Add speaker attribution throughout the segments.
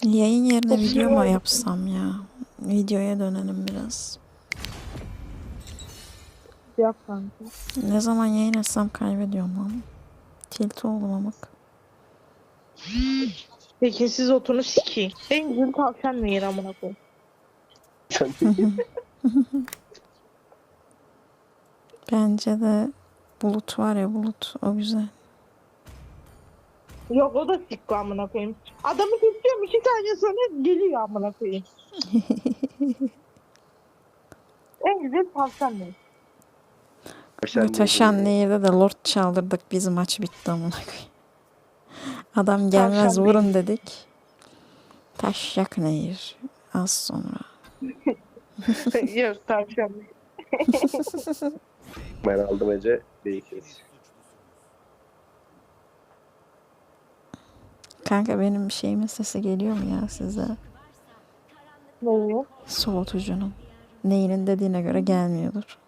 Speaker 1: Yayın yerine
Speaker 2: Çok
Speaker 1: video mu
Speaker 2: iyi.
Speaker 1: yapsam ya? Videoya dönelim biraz.
Speaker 2: Yap kanka.
Speaker 1: Ne zaman yayın etsem kaybediyorum lan. Tilt oldum amık.
Speaker 2: Peki siz otunu sikeyim. En güzel tavşan nehir amına koyayım.
Speaker 1: Bence de Bulut var ya, Bulut o güzel.
Speaker 2: Yok o da sikko amına koyayım. Adamı kesiyorum 2 saniye sonra geliyor amına koyayım. En güzel tavşan nehir.
Speaker 1: Taşan Nehir'de de Lord çaldırdık, biz maç bitti amına koyayım. Adam gelmez
Speaker 2: Tavşan
Speaker 1: vurun
Speaker 2: nehir.
Speaker 1: dedik. Taşyak Nehir. Az sonra.
Speaker 2: Yok tavşan nehir.
Speaker 3: Ben aldım Ece. Değişiriz.
Speaker 1: Kanka benim şeyimin sesi geliyor mu ya size?
Speaker 2: Ne oluyor?
Speaker 1: Soğutucunun. Neyinin dediğine göre gelmiyordur.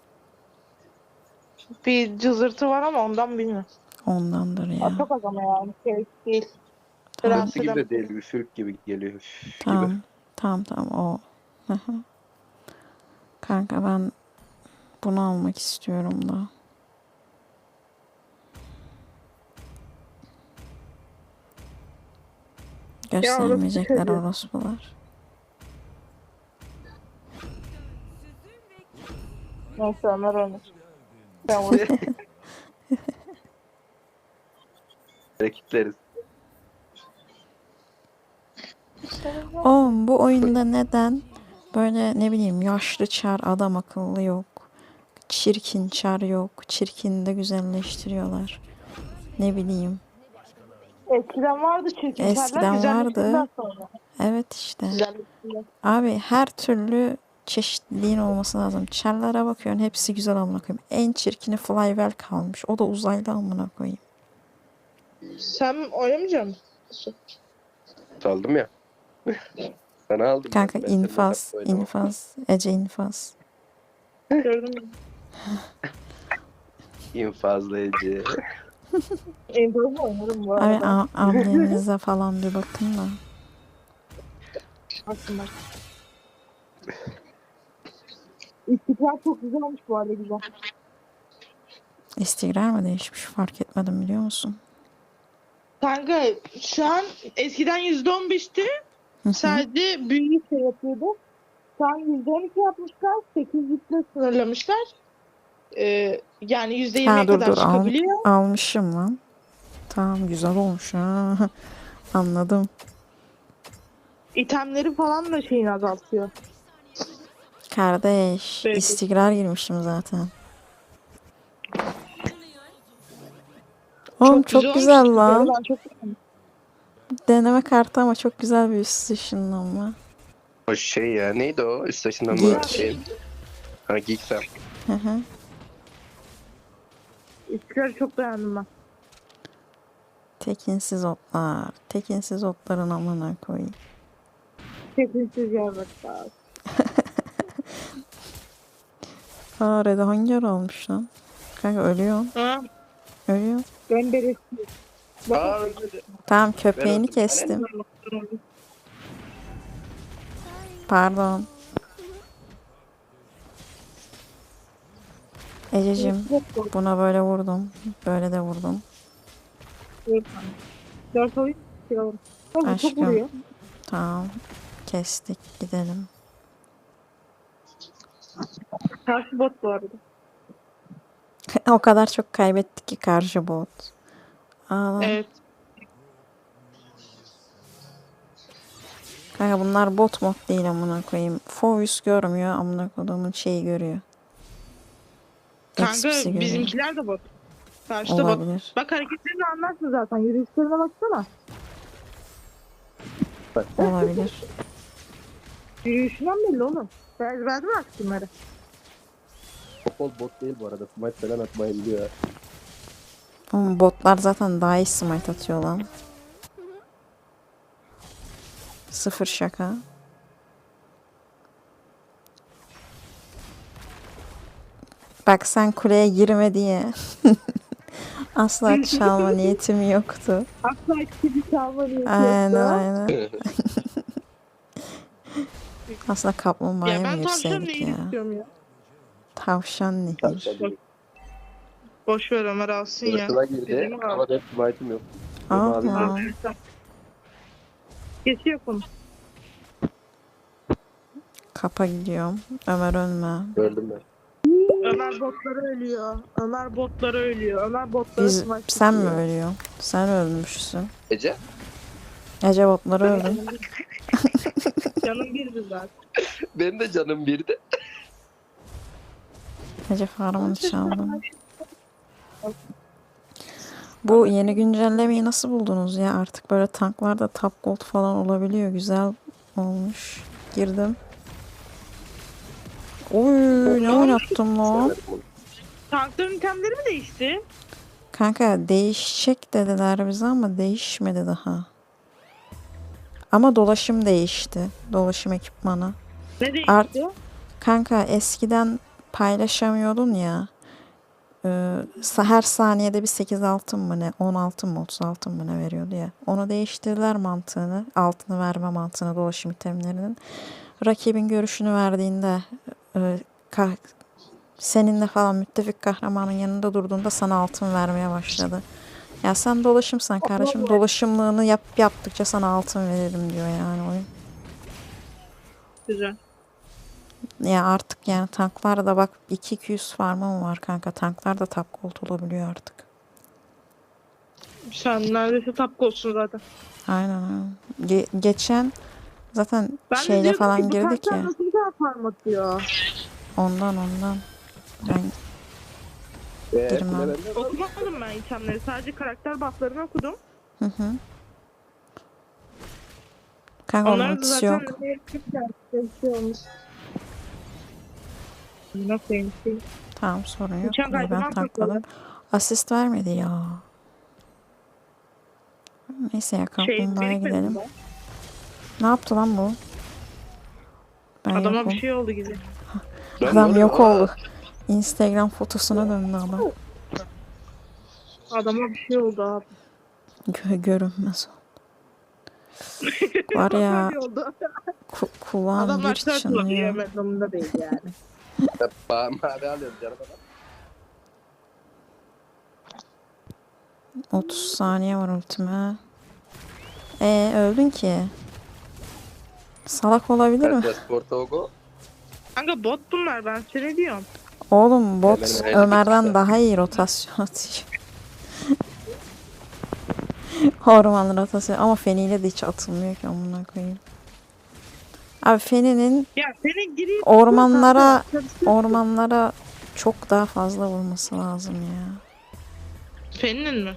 Speaker 2: Bir cızırtı var ama ondan bilmiyorum.
Speaker 1: Ondandır ya.
Speaker 2: Çok az ama yani. Şey değil.
Speaker 1: Tamam.
Speaker 2: Rahatsız
Speaker 3: Gibi
Speaker 2: eden.
Speaker 3: de değil. Üfürük gibi geliyor. Üf gibi.
Speaker 1: Tamam. Tamam o. Hı hı. Kanka ben bunu almak istiyorum da. Göstermeyecekler
Speaker 2: çocuğu.
Speaker 1: orospular.
Speaker 2: Neyse Ömer oynar. Ben vurayım.
Speaker 3: Rakipleriz.
Speaker 1: Oğlum bu oyunda neden böyle ne bileyim yaşlı çar adam akıllı yok. Çirkin çar yok. Çirkin de güzelleştiriyorlar. Ne bileyim.
Speaker 2: Eskiden vardı çirkin
Speaker 1: Eskiden
Speaker 2: çarlar, güzelleştirdiler
Speaker 1: vardı.
Speaker 2: sonra.
Speaker 1: Evet işte.
Speaker 2: Güzelleştirdiler.
Speaker 1: Abi her türlü çeşitliliğin olması lazım. Çarlara bakıyorsun hepsi güzel amına koyayım. En çirkini Flywell kalmış. O da uzaylı amına koyayım.
Speaker 2: Sen oynamayacak mısın?
Speaker 3: Saldım ya. Sana aldım.
Speaker 1: Kanka
Speaker 3: Ben seninle
Speaker 1: infaz,
Speaker 3: top oynamam.
Speaker 1: infaz, Ece infaz.
Speaker 2: Gördün mü?
Speaker 3: İnfazlı Ece.
Speaker 2: Endo'yu oynarım bu
Speaker 1: Abi
Speaker 2: arada.
Speaker 1: annenize falan bir bakın da.
Speaker 2: Aslında. İstikrar çok güzel olmuş bu arada, güzel.
Speaker 1: İstikrar mı değişmiş fark etmedim biliyor musun?
Speaker 2: Kanka şu an eskiden %15'ti. Sadece büyük şey yapıyordu. Şu an %12 yapmışlar. 8'likle sınırlamışlar. Yani %20'ye
Speaker 1: Dur
Speaker 2: kadar
Speaker 1: dur
Speaker 2: çıkabiliyor.
Speaker 1: almışım lan. Tamam güzel olmuş ha. Anladım.
Speaker 2: İtemleri falan da şeyini azaltıyor.
Speaker 1: Kardeş
Speaker 2: Evet.
Speaker 1: istikrar girmişim zaten. Oğlum çok güzel
Speaker 2: olmuş.
Speaker 1: lan.
Speaker 2: Ben çok beğendim.
Speaker 1: Deneme kartı ama çok güzel bir üst ışınlanma.
Speaker 3: O şey ya. Neydi o? Üst taşından
Speaker 1: Geek.
Speaker 3: mı? Şey. Ha Geeksem.
Speaker 1: Hı hı.
Speaker 2: İstikrarı çok beğendim ben.
Speaker 1: Tekinsiz otlar. Tekinsiz otların amına koyayım.
Speaker 2: Tekinsiz yarraklar.
Speaker 1: Rede hangi ara almış lan? Kanka ölüyor.
Speaker 2: Ha?
Speaker 1: Ölüyor.
Speaker 2: Ben beresi.
Speaker 3: Aa öyle.
Speaker 1: Tamam köpeğini
Speaker 3: öldüm.
Speaker 1: kestim. Pardon. Ececiğim buna böyle vurdum. Böyle de vurdum.
Speaker 2: 4 oyun çıkalım. Tabii çok
Speaker 1: Aşkım.
Speaker 2: vuruyor.
Speaker 1: Tamam. Kestik gidelim.
Speaker 2: Karşı bot bu arada.
Speaker 1: O kadar çok kaybettik ki karşı bot. Ağlam.
Speaker 2: Evet.
Speaker 1: Kanka bunlar bot mod değil amına koyayım. Focus görmüyor amına koyduğumun şeyi görüyor.
Speaker 2: Kanka
Speaker 1: XP'si görüyor.
Speaker 2: bizimkiler de bot. Karşıda bot.
Speaker 1: Olabilir.
Speaker 2: Bak hareketlerini anlarsın zaten. Yürüyüşlerine baksana.
Speaker 1: Olabilir.
Speaker 2: Yürüyüşünden belli oğlum. Ben ezberdim artık bunları.
Speaker 3: Popol bot değil bu arada. Smite falan atmayı biliyor.
Speaker 1: Oğlum botlar zaten daha iyi smite atıyor lan. Sıfır şaka. Bak sen kuleye girme diye. Asla çalma niyetim yoktu.
Speaker 2: Asla ikisi çalma niyeti
Speaker 1: Aynen
Speaker 2: yoktu.
Speaker 1: aynen. Aslında kaplumbağaya
Speaker 2: Ya
Speaker 1: mı
Speaker 2: ben tavşan
Speaker 1: girseydik
Speaker 2: nehir
Speaker 1: ya?
Speaker 2: istiyorum ya.
Speaker 1: Tavşan nehir.
Speaker 3: Tavşan değil.
Speaker 2: Boş ver Ömer alsın ya.
Speaker 3: Sırtına girdi
Speaker 2: Dediğimi al.
Speaker 3: ama benim smite'ım yok. Ve mavi yok.
Speaker 1: Allah.
Speaker 2: Geçiyor konu.
Speaker 1: Kapa gidiyorum. Ömer ölme.
Speaker 3: Öldüm ben.
Speaker 2: Ömer botları ölüyor. Ömer botları ölüyor. Ömer botları
Speaker 1: Sen mi ölüyorsun? Sen ölmüşsün.
Speaker 3: Ece?
Speaker 1: Ece botları öldü.
Speaker 2: Canım birdi zaten.
Speaker 3: Benim de canım birdi.
Speaker 1: Ece farmını çaldım. Bu yeni güncellemeyi nasıl buldunuz ya? Artık böyle tanklarda top gold falan olabiliyor. Güzel olmuş. Girdim. Oy ne oynattım lan?
Speaker 3: Severim onu.
Speaker 2: Tankların itemleri mi değişti?
Speaker 1: Kanka değişecek dediler bize ama değişmedi daha. Ama dolaşım değişti. Dolaşım ekipmanı.
Speaker 2: Ne değişti?
Speaker 1: Kanka eskiden paylaşamıyordun ya. Her saniyede bir 8 altın mı ne 10 altın mı 30 altın mı ne veriyordu ya. Onu değiştirdiler mantığını. Altını verme mantığını dolaşım itemlerinin. Rakibin görüşünü verdiğinde e, ka- seninle falan müttefik kahramanın yanında durduğunda sana altın vermeye başladı. Ya sen dolaşımsan kardeşim dolaşımlığını yaptıkça sana altın veririm diyor yani oyun.
Speaker 2: Güzel.
Speaker 1: Ya artık yani tanklarda bak 200 farmım var kanka. Tanklar da top gold olabiliyor artık.
Speaker 2: Sen neredeyse top olsun zaten.
Speaker 1: Aynen aynen. Geçen zaten
Speaker 2: Ben de
Speaker 1: şeyle
Speaker 2: diyordum
Speaker 1: falan
Speaker 2: ki bu
Speaker 1: girdik
Speaker 2: tanklar
Speaker 1: ya.
Speaker 2: nasıl bir daha farm atıyor?
Speaker 1: Ondan. Ben Girmem.
Speaker 3: Kule bende var.
Speaker 2: Okumadım ben itemleri. Sadece karakter bufflarını okudum.
Speaker 1: hı. Kanka onun
Speaker 2: Onlar da
Speaker 1: ultisi
Speaker 2: zaten
Speaker 1: yok.
Speaker 2: şey olmuş. Nasıl yani?
Speaker 1: Tamam sorun yok.
Speaker 2: Uçan
Speaker 1: Kuleyi ben
Speaker 2: kaydıran
Speaker 1: tankladım. Asist vermedi ya. Neyse ya kaplumbağaya
Speaker 2: birikmedi
Speaker 1: gidelim.
Speaker 2: mi?
Speaker 1: Ne yaptı lan bu? Ben
Speaker 2: Adama
Speaker 1: yokum.
Speaker 2: bir şey oldu gibi.
Speaker 3: Ben
Speaker 1: Adam
Speaker 3: böyle-
Speaker 1: yok
Speaker 3: Aa,
Speaker 1: oldu. Instagram fotosuna döndü adam.
Speaker 2: Adama bir şey oldu abi.
Speaker 1: Görünmez o. Var ya
Speaker 2: Öyle oldu.
Speaker 1: kulağım
Speaker 2: Adamlar
Speaker 1: bir
Speaker 2: turtle
Speaker 1: çınlıyor.
Speaker 2: yemek durumunda değil yani.
Speaker 3: Mavi alıyorum canım adam.
Speaker 1: 30 saniye var ultime. Öldün ki. Salak olabilir mi?
Speaker 3: Transportogo.
Speaker 2: Kanka bot bunlar ben seni diyorum.
Speaker 1: Oğlum bot
Speaker 3: Hemen
Speaker 1: Ömer'den
Speaker 3: öyle.
Speaker 1: daha iyi rotasyon atıyor. Orman rotasyon ama Feni'yle de hiç atılmıyor ki amına koyayım. Abi Feni'nin
Speaker 2: Ya senin gireyim.
Speaker 1: ormanlara çok daha fazla vurması lazım ya.
Speaker 2: Fenin mi?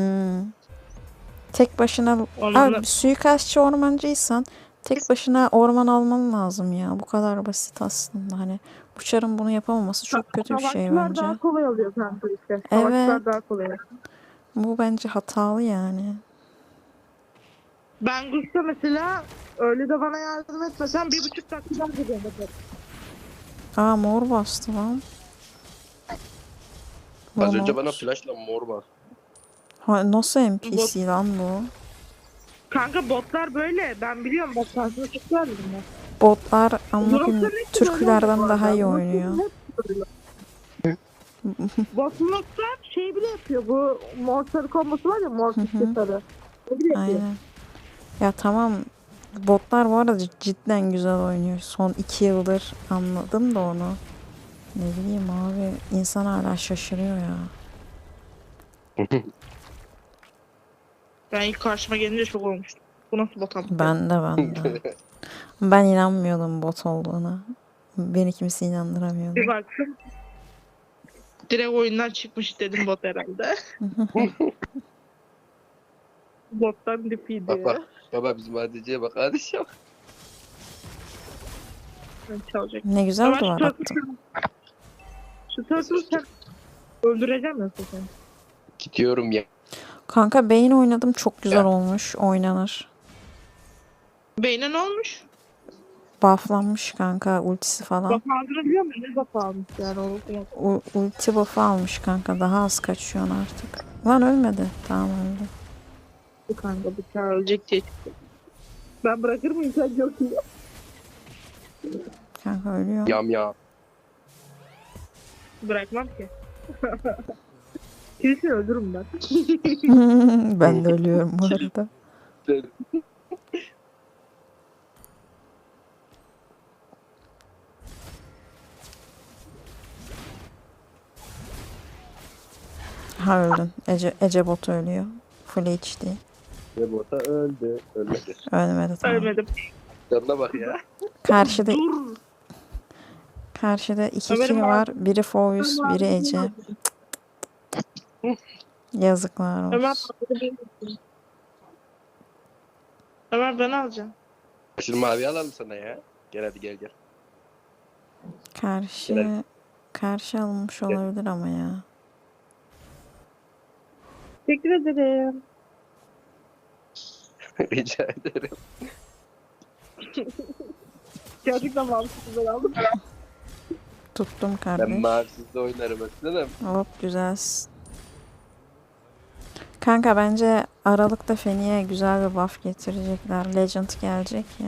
Speaker 1: Tek başına
Speaker 2: Ormanlar-
Speaker 1: abi suikastçı ormancıysan tek başına orman alman lazım ya. Bu kadar basit aslında hani bu çarın bunu yapamaması çok kötü bir şey
Speaker 2: Savaşçılar
Speaker 1: bence.
Speaker 2: daha kolay oluyor kanka işte. Savaşçılar daha kolay oluyor.
Speaker 1: Bu bence hatalı yani.
Speaker 2: Ben Gusta mesela öyle de bana yardım etmesen 1,5 dakikada gidiyorum.
Speaker 1: Mor bastı lan.
Speaker 3: Az önce
Speaker 1: Mor.
Speaker 3: bana flashla mor bastı.
Speaker 1: Nasıl NPC lan bu?
Speaker 2: Kanka botlar böyle. Ben biliyorum bak karşıma çıkıyor bunlar.
Speaker 1: Botlar amına koyayım
Speaker 2: Bloklar hep
Speaker 1: Türkülerden
Speaker 2: böyle
Speaker 1: daha iyi
Speaker 2: bu arada.
Speaker 1: oynuyor.
Speaker 2: Hep böyle. Botlar şey bile yapıyor. Bu mortar kombosu var ya mortar sarı. O bile yapıyor.
Speaker 1: Aynen. Ya tamam botlar bu arada cidden güzel oynuyor. Son 2 yıldır anladım da onu. Ne bileyim abi insan hala şaşırıyor ya.
Speaker 2: Ben ilk karşıma gelince şok olmuştum. Bu nasıl bot ama?
Speaker 1: Ben de. Ben inanmıyordum bot olduğuna. Beni kimse inandıramıyordu.
Speaker 2: Bir baktım. Direkt oyundan çıkmış dedim bot herhalde. Bottan dipiydi.
Speaker 3: Bak. Baba bizim ADC'ye bak. ADC'ye bak.
Speaker 2: Ben çalacak.
Speaker 1: Ne güzel
Speaker 2: Ama
Speaker 1: duvar attım.
Speaker 2: Şu turtle'ı sen öldüreceğim nasıl sen?
Speaker 3: Gidiyorum ya.
Speaker 1: Kanka beyin oynadım çok güzel olmuş. Oynanır.
Speaker 2: Beyne ne olmuş?
Speaker 1: Bufflanmış kanka ultisi falan.
Speaker 2: Bak aldığını biliyor musun? Ne bak almış yani onu.
Speaker 1: Ulti buff'ı almış kanka. Daha az kaçıyorsun artık. Lan ölmedi. Tamam öldü.
Speaker 2: Bu kanka bıçağı ölecek diye çıktı. Ben bırakır mıyım sen yok iyi.
Speaker 1: Kanka ölüyor.
Speaker 3: Yam yam.
Speaker 2: Bırakmam ki. Kilisini öldürürüm ben.
Speaker 1: Ben de ölüyorum bu arada. Ha öldün. Ece bot ölüyor. Full HD.
Speaker 3: Ve bota öldü. Ölmedi.
Speaker 1: Ölmedi tamam.
Speaker 2: Ölmedim.
Speaker 3: Canına bak ya.
Speaker 1: Karşıda
Speaker 2: Dur.
Speaker 1: iki
Speaker 2: Ömer'in
Speaker 1: kill var. Biri Foyus, biri Ece. Yazıklar
Speaker 2: Ömer
Speaker 1: olsun.
Speaker 2: Ömer ben alacağım.
Speaker 3: Şimdi mavi alalım sana ya. Gel hadi gel gel.
Speaker 1: Karşı alınmış olabilir ama ya.
Speaker 2: Teşekkür ederim.
Speaker 3: Rica ederim.
Speaker 2: Gerçekten mantıklı güzel aldım.
Speaker 1: Tuttum
Speaker 3: Ben
Speaker 1: kardeş.
Speaker 3: mavisizde oynarım aslanım.
Speaker 1: Hop güzelsin. Kanka bence Aralık'ta Feni'ye güzel bir buff getirecekler. Legend gelecek ya.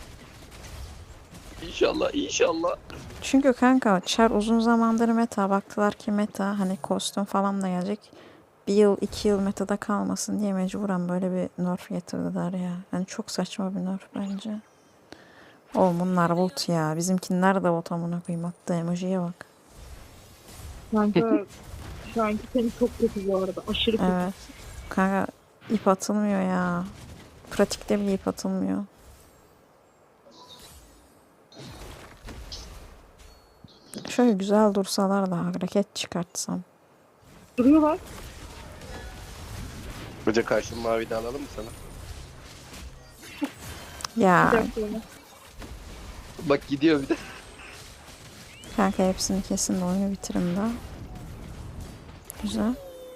Speaker 3: İnşallah inşallah.
Speaker 1: Çünkü kanka Char uzun zamandır meta. Baktılar ki meta hani kostüm falan da gelecek. Bir yıl 2 yıl metada kalmasın diye mecburen böyle bir nerf getirdiler ya. Yani çok saçma bir nerf bence. Oğlum bunlar bot ya. Bizimkiler de bot amına koyayım. Attığı emojiye bak.
Speaker 2: Kanka şu anki seni çok kötü bu arada. Aşırı kötü.
Speaker 1: Evet. Kanka ip atılmıyor ya. Pratikte bile ip atılmıyor. Şöyle güzel dursalar da hareket çıkartsam.
Speaker 2: Duruyorlar.
Speaker 3: Hoca karşı mavi de alalım mı sana?
Speaker 1: Ya
Speaker 2: Bir dakika Ömer.
Speaker 3: Bak gidiyor bir de.
Speaker 1: kanka hepsini kesin de oyunu bitirin daha. Güzel.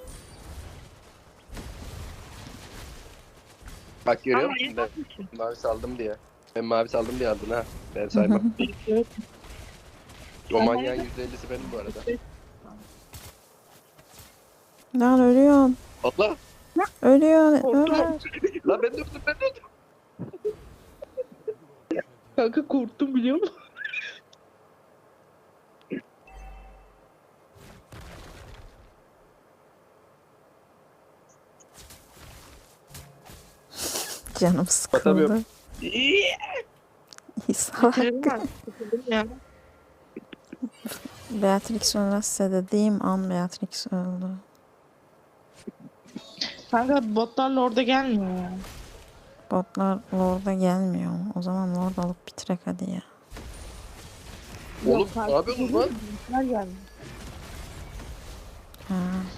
Speaker 3: Bak görüyor
Speaker 2: Ama
Speaker 3: musun
Speaker 2: iyi
Speaker 3: ben
Speaker 2: bakmışsın.
Speaker 3: mavi saldım diye. Ben mavi saldım diye aldın ha. Ben saymam.
Speaker 2: Evet.
Speaker 3: O manyağın %50'si benim bu arada.
Speaker 1: Lan ölüyorsun.
Speaker 3: Allah!
Speaker 1: Ölüyorsun.
Speaker 2: Korktum.
Speaker 1: Ömer.
Speaker 3: Lan ben döktüm ben döktüm.
Speaker 2: Kanka korktum biliyor musun?
Speaker 1: Canım sıkıldı.
Speaker 3: Batamıyorum.
Speaker 1: İyi salak.
Speaker 2: Bitirelim artık. Bitirelim ya.
Speaker 1: Beatrix ölmezse dediğim an Beatrix öldü.
Speaker 2: Kanka botlar orada gelmiyor ya.
Speaker 1: Botlar Lord'a gelmiyor. O zaman Lord alıp bitirek hadi ya.
Speaker 3: Oğlum ne yapıyorsunuz lan?
Speaker 2: Botlar gelmiyor.
Speaker 1: Ha.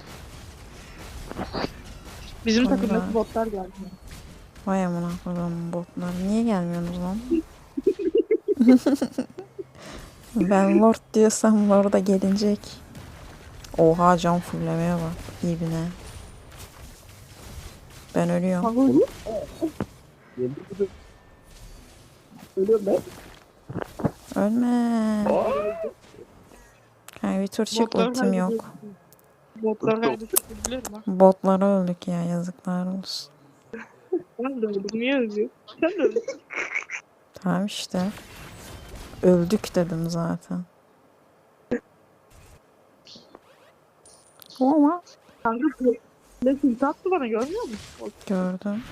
Speaker 2: Bizim
Speaker 1: Vallahi.
Speaker 2: takımdaki botlar gelmiyor.
Speaker 1: Vay amına koyduğum botlar. Niye gelmiyorsunuz lan? Ben Lord diyorsam Lord'a gelecek. Oha can fullemeye bak. İbine. Ben ölüyorum.
Speaker 2: Kanka öyle.
Speaker 3: Ölüyorum ben.
Speaker 1: Ölme. Kanka bir tur çık
Speaker 2: Botlar
Speaker 1: ultim yok.
Speaker 2: Botlar kaybettik biliyorum ha.
Speaker 1: Botlara öldük ya yazıklar olsun.
Speaker 2: Ben de öldüm. Niye öldüm? Sen de öldün.
Speaker 1: Tamam işte. Öldük dedim zaten. Ama
Speaker 2: Kanka ne tilt attı bana görmüyor musun?
Speaker 1: gördüm.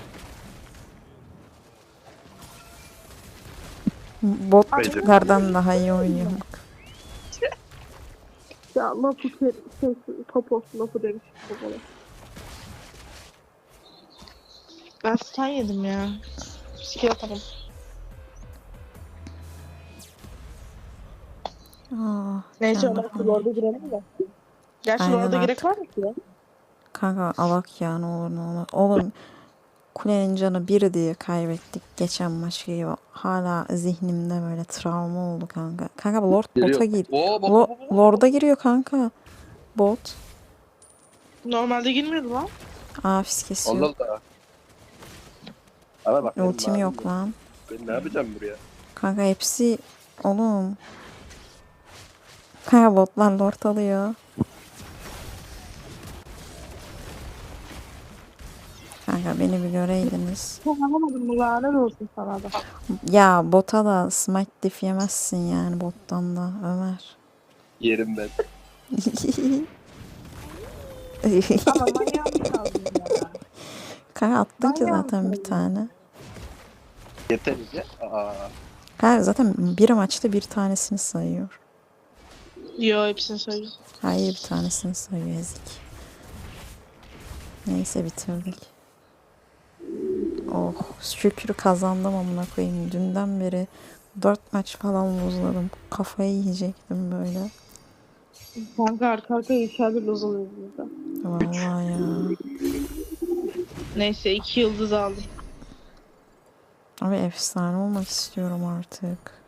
Speaker 1: Botlardan daha iyi oynuyorum.
Speaker 2: Ya lafı popo lafı demiş popola. Ben stun yedim ya. Skill atamam. Neyse
Speaker 1: canım.
Speaker 2: Ömer orada girelim de. Gerçi
Speaker 1: Aynen
Speaker 2: orada
Speaker 1: artık.
Speaker 2: gerek var mı ki ya?
Speaker 1: Kanka alak ya ne olur ne olur. Oğlum kulenin canı bir diye kaybettik geçen maç gibi. Hala zihnimde böyle travma oldu kanka. Kanka Lord
Speaker 3: Geliyor.
Speaker 1: bota gir.
Speaker 3: Oo bak.
Speaker 1: Lord'a giriyor kanka. Bot.
Speaker 2: Normalde girmiyordu lan.
Speaker 1: Aa fisk kesiyor.
Speaker 3: Allah Allah. Ama bak benim
Speaker 1: Ultim
Speaker 3: mavim
Speaker 1: yok lan.
Speaker 3: Ben ne yapacağım buraya?
Speaker 1: Kanka hepsi oğlum. Kanka botlar Lord alıyor. Kanka Kanka beni bir göreydiniz.
Speaker 2: Sen alamadın mı? Lanet olsun sana da.
Speaker 1: Ya bota da smite diff yemezsin yani bottan da Ömer.
Speaker 3: Yerim ben.
Speaker 2: Ama manyağımı kaldın ya.
Speaker 1: Kanka attın ki
Speaker 2: Manyağım
Speaker 1: zaten bir
Speaker 2: kaldı.
Speaker 1: tane.
Speaker 3: Yeter ya. Aa.
Speaker 1: Kanka zaten bir maçta bir tanesini sayıyor.
Speaker 4: Yo, hepsini sayıyor.
Speaker 1: Hayır bir tanesini sayıyor ezik. Neyse bitirdik. Oh şükür kazandım amına koyayım. Dünden beri 4 maç falan buzladım. Kafayı yiyecektim böyle.
Speaker 2: Kanka arka arkaya içeride loz oluyoruz burada.
Speaker 1: Vallahi ya.
Speaker 4: Neyse 2 yıldız aldım.
Speaker 1: Abi efsane olmak istiyorum artık.